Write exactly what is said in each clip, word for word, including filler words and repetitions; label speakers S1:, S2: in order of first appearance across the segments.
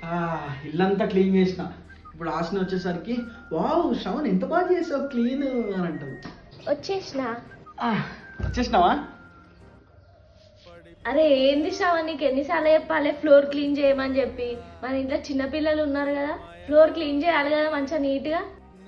S1: ఇల్లంతా క్లీన్ చేసిన. ఇప్పుడు ఆసన వచ్చేసరికి వావ్ శ్రవణ్ ఎంత బాగా చేసావు క్లీన్ అని అంటది.
S2: వచ్చేసిన
S1: వచ్చేసినావా?
S2: అరే ఏంది శ్రవణ్, నీకు ఎన్నిసార్లు చెప్పాలి ఫ్లోర్ క్లీన్ చేయమని చెప్పి? మన ఇంట్లో చిన్నపిల్లలు ఉన్నారు కదా, ఫ్లోర్ క్లీన్ చేయాలి కదా మంచిగా నీట్గా.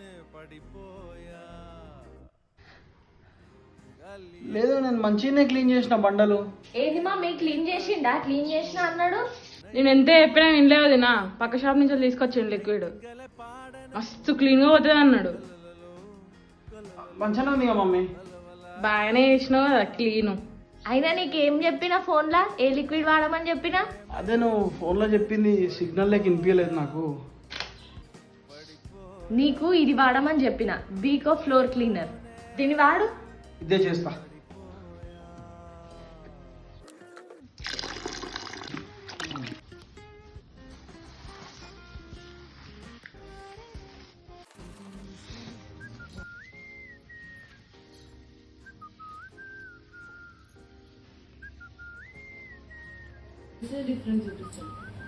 S1: లేదు నేను మంచిగానే క్లీన్ చేసిన బండలు.
S2: ఏంది మా మీ క్లీన్ చేసిండా? క్లీన్ చేసిన అన్నాడు.
S3: నేను ఎంత చెప్పినా వినలేవు వదినా. పక్క షాప్ నుంచి తీసుకొచ్చాను లిక్విడ్, మస్తు క్లీన్గా పోతుంది అన్నాడు.
S1: మంచిగానే ఉంది మమ్మీ.
S3: బాగానే చేసినావు కదా క్లీను.
S2: అయినా నీకేం చెప్పినా ఫోన్లో ఏ లిక్విడ్ వాడమని చెప్పినా?
S1: అదే నువ్వు ఫోన్లో చెప్పింది సిగ్నల్ లేక వినిపించలేదు నాకు.
S2: నీకు ఇది వాడమని చెప్పిన, బీకో ఫ్లోర్ క్లీనర్. దీన్ని వాడు.
S1: ఇదే చేస్తా.
S3: డిఫరెన్స్ చూపిస్తాను.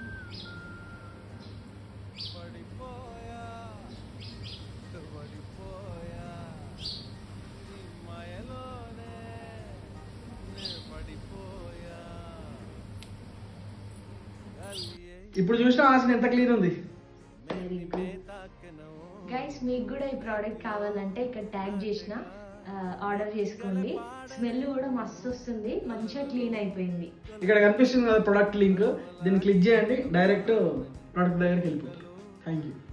S1: ఇప్పుడు చూసిన ఆసన ఎంత క్లీన్ ఉంది.
S2: గైస్ మీకు కూడా ఈ ప్రోడక్ట్ కావాలంటే ఇక్కడ ట్యాగ్ చేసిన ఆర్డర్ చేసుకోండి. స్మెల్ కూడా మస్తు వస్తుంది, మంచిగా క్లీన్ అయిపోయింది.
S1: ఇక్కడ కనిపిస్తుంది కదా ప్రొడక్ట్ లింక్, దీన్ని క్లిక్ చేయండి, డైరెక్ట్ ప్రొడక్ట్ దగ్గరికి వెళ్ళిపోతుంది. Thank you.